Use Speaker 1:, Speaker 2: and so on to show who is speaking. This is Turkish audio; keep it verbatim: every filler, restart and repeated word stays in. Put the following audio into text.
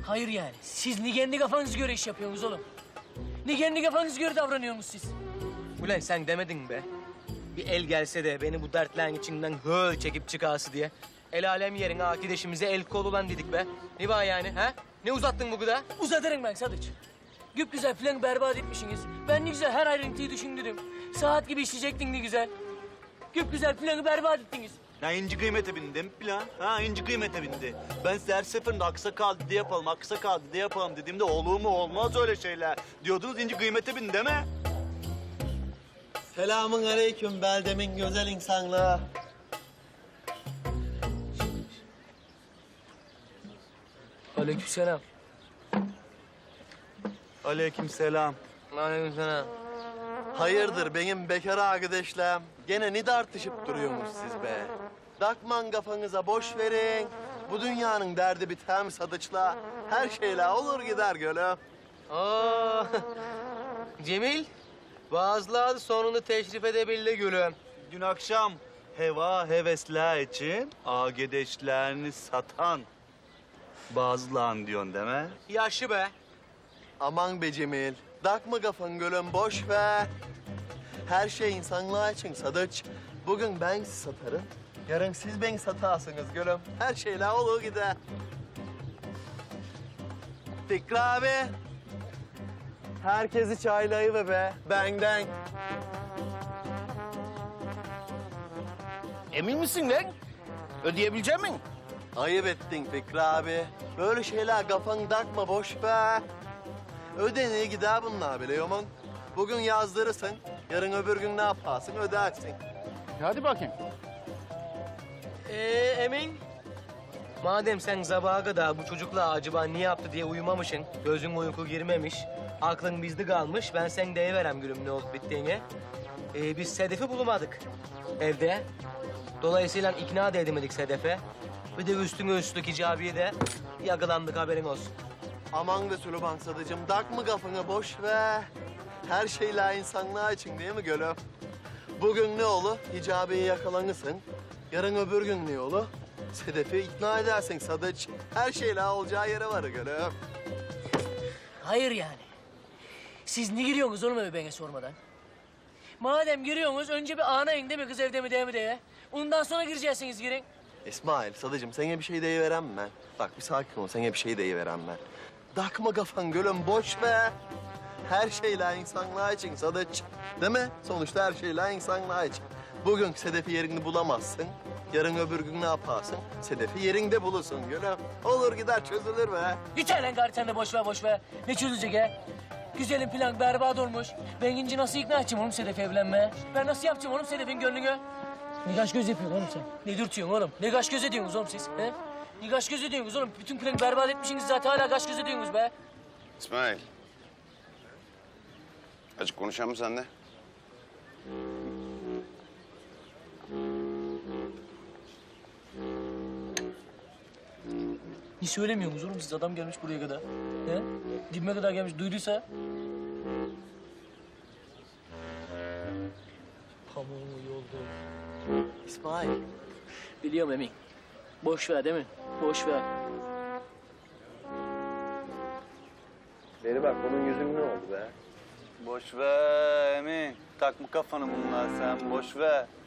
Speaker 1: Hayır yani. Siz ni kendi kafanız göre iş yapıyorsunuz oğlum. Ni kendi kafanız göre davranıyorsunuz siz.
Speaker 2: Ulan sen demedin be. Bir el gelse de beni bu dertlerin içinden höl çekip çıkası diye. El alem yerine akideşimize el kol olan dedik be. Ne var yani ha? Ne uzattın bu kadar?
Speaker 1: Uzatırım ben Sadıç. Güp güzel planı berbat etmişsiniz. Ben ne güzel her ayrıntıyı düşündüm. Saat gibi işleyecektin ne güzel. Güp güzel planı berbat ettiniz.
Speaker 3: Ya inci kıymete bindim plan. Ha inci kıymete bindi. Ben size her seferinde aksakal dedi yapalım, aksakal dedi yapalım dediğimde olur mu olmaz öyle şeyler. Diyordunuz inci kıymete bindi değil mi?
Speaker 4: Selamun aleyküm beldemin güzel insanlığı.
Speaker 1: Aleykümselam.
Speaker 3: Aleykümselam.
Speaker 2: Aleykümselam.
Speaker 4: Hayırdır benim bekar arkadaşlarım? Gene ne tartışıp duruyorsunuz siz be? Takman kafanıza boş verin. Bu dünyanın derdi biter mi Sadıç'la? Her şeyle olur gider gülüm.
Speaker 2: Aa, Cemil, bazıları sonunu teşrif edebildi gülüm.
Speaker 3: Dün akşam heva hevesler için agedeşlerini satan bazılan diyorsun değil mi?
Speaker 2: Yaşlı be.
Speaker 4: Aman be Cemil. Takma kafan gülüm boş ver. Her şey insanlığa için Sadıç. Bugün ben sizi satarım. Yarın siz beni satarsınız gülüm. Her şeyle olur gider. Fikri abi. Herkesi çaylayıver be. Benden.
Speaker 5: Emin misin lan? Ödeyebilecek misin?
Speaker 4: Ayıp ettin Fikri abi. Böyle şeyler kafanı takma boş ver. Ödeneye gider bunlar biliyor musun? Bugün yazdırırsın. Yarın öbür gün ne yaparsın ödersin.
Speaker 5: Hadi bakayım.
Speaker 2: Ee, Emin, madem sen sabaha kadar bu çocukla acaba ne yaptı diye uyumamışsın, gözün uyku girmemiş, aklın bizde kalmış, ben sen deyiverem gülüm ne olup bittiğini. Ee, biz Sedef'i bulamadık evde. Dolayısıyla ikna da edemedik Sedef'e. Bir de üstüne üstlük icabiye de yakalandık haberin olsun.
Speaker 4: Aman be Süleyman Sadıcığım, takma kafanı boş ver. Her şeyler insanlığa için değil mi gülüm? Bugün ne olur? Hicabi'yi yakalanırsın. Yarın öbür gün ne olur? Sedef'i ikna edersin Sadıç. Her şeyler olacağı yere var gülüm.
Speaker 1: Hayır yani. Siz ne giriyorsunuz oğlum eve bana sormadan? Madem giriyorsunuz önce bir anayın değil mi kız evde mi değil mi diye. Ondan sonra gireceksiniz girin.
Speaker 4: İsmail, Sadıcığım sana bir şey deyiverem ben. Bak bir sakin ol, sana bir şey deyiverem ben. Takma kafan gülüm, boş ver. Her şeyler insanlığa için Sadıç. Değil mi? Sonuçta her şeyler insanlığa için. Bugün Sedef'i yerini bulamazsın. Yarın öbür gün ne yaparsın? Sedef'i yerinde bulursun gülüm. Olur gider çözülür be.
Speaker 1: Yeter lan gari sen de boş ver boş ver. Ne çözülecek ha? Güzelim plan berbat olmuş. Ben inci nasıl ikna edeceğim oğlum Sedef'e evlenmeye? Ben nasıl yapacağım oğlum Sedef'in gönlünü? Ne kaş göz yapıyorsun oğlum sen? Ne dürtüyorsun oğlum? Ne kaş göz ediyorsunuz oğlum siz? He? Ne kaş göz ediyorsunuz oğlum? Bütün planı berbat etmişsiniz zaten hala kaş göz ediyorsunuz be.
Speaker 6: İsmail. Açık konuşalım mı seninle?
Speaker 1: Niye söylemiyorsunuz oğlum siz? Adam gelmiş buraya kadar. He? Dibime kadar gelmiş. Duyduysa... Pamuğu yoldu.
Speaker 4: İsmail.
Speaker 1: Biliyorum Emin. Boş ver değil mi? Boş ver.
Speaker 4: Beri bak, bunun yüzün ne oldu be?
Speaker 3: Boş ver Emin. Takma kafanı bunlar sen boş ver.